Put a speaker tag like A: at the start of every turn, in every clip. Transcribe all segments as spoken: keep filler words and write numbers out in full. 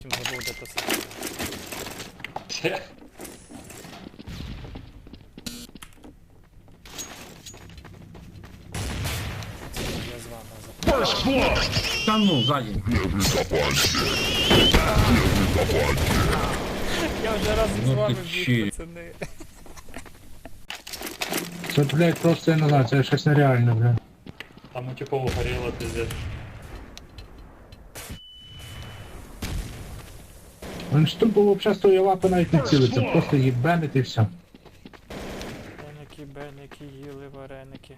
A: Забув, де то саме. Я з вами запитаю.
B: Та ну, ззаді.
A: Я вже разом з
B: Ну
A: вами
B: ти
A: біг,
B: чи.
A: пацани.
C: Це, блядь, просто я не знаю, це щось нереальне, блядь.
D: Там у типов горело, пиздец.
C: Він ж тупо вообще з тої лапи навіть не цілиться, просто їбенить і все.
A: Беники, беники, їли вареники.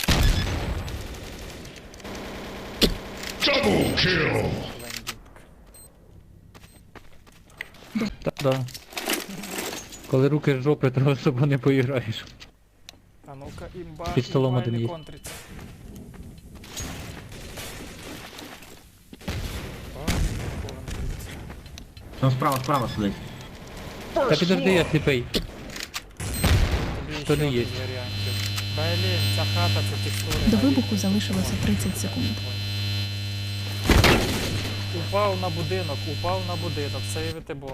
A: Лендінг.
B: Та да. Коли руки з жопи, то особо не поіграєш.
A: А ну-ка, імба,
B: Під столом
A: імба,
B: один
A: не
B: є.
A: контриться. Ба, не контриться.
B: Там справа, справа сидить. Та підожди, я сліпий.
A: Тобі
B: Що
A: ще
B: не є?
A: один варіантів. Блін, ця хата, це текстури.
E: До
A: навіть.
E: вибуху залишилося тридцять секунд.
A: Упав на будинок, упав на будинок, сейвити бомбу.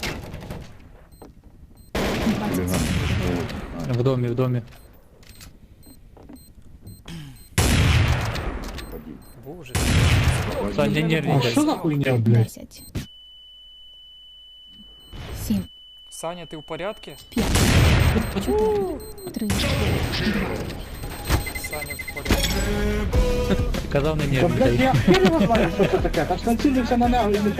E: двадцять секунд.
B: В домі, в домі.
A: Боже.
B: Саня, не
C: А
B: нервничай.
C: що за хуйня, блядь?
E: десять. сім.
A: Саня, ти в порядку?
E: п'ять. чотири. три. два.
A: Саня в порядку.
B: Казав не
C: Та, блядь,
B: нервничай.
C: я хер його знаю, що це таке, та ж націлився на нього і не